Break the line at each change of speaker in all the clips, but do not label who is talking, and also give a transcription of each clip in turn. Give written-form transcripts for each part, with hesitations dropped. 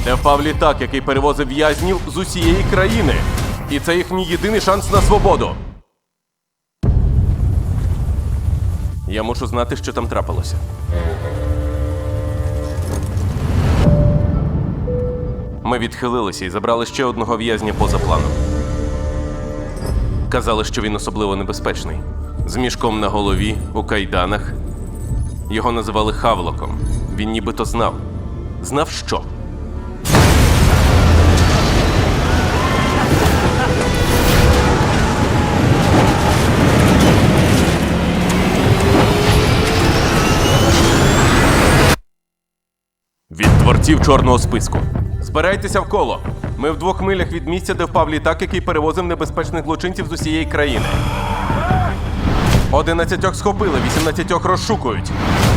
Де впав літак, який перевозив в'язнів з усієї країни. І це їхній єдиний шанс на свободу. Я мушу знати, що там трапилося. Ми відхилилися і забрали ще одного в'язня поза планом. Казали, що він особливо небезпечний. З мішком на голові, у кайданах. Його називали Хавлоком. Він нібито знав. Знав що? Від творців чорного списку. Збирайтеся в коло. Ми в 2 милях від місця, де впав літак, який перевозив небезпечних злочинців з усієї країни. 11 схопили, 18 розшукують.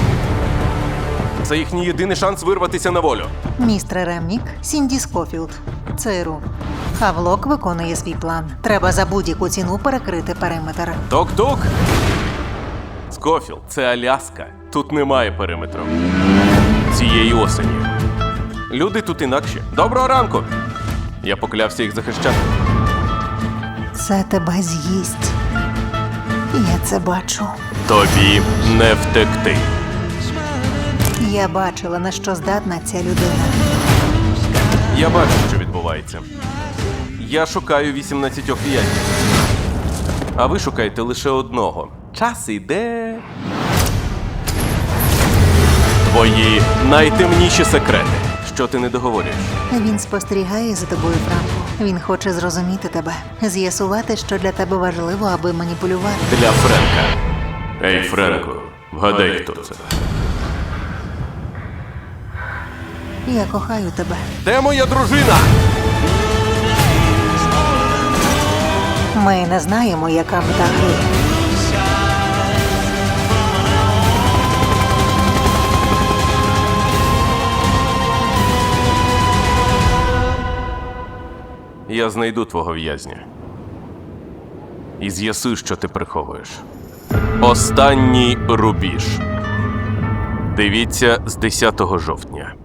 Це їхній єдиний шанс вирватися на волю.
Містер Ремнік, Сінді Скофілд. ЦРУ. Хавлок виконує свій план. Треба за будь-яку ціну перекрити периметр.
Тук-тук! Скофілд, це Аляска. Тут немає периметру. Цієї осені. Люди тут інакші. Доброго ранку! Я поклявся їх захищати.
Це тебе з'їсть. Я це бачу.
Тобі не втекти.
Я бачила, на що здатна ця людина.
Я бачу, що відбувається. Я шукаю 18 в'язнів. А ви шукаєте лише одного. Час іде. Твої найтемніші секрети. Що ти не договорюєш?
Він спостерігає за тобою, Франку. Він хоче зрозуміти тебе. З'ясувати, що для тебе важливо, аби маніпулювати.
Для Френка. Ей, Френку, вгадай, хто це.
Я кохаю тебе.
Де моя дружина?
Ми не знаємо, яка мета гри.
Я знайду твого в'язня. І з'ясую, що ти приховуєш. Останній рубіж. Дивіться з 10 жовтня.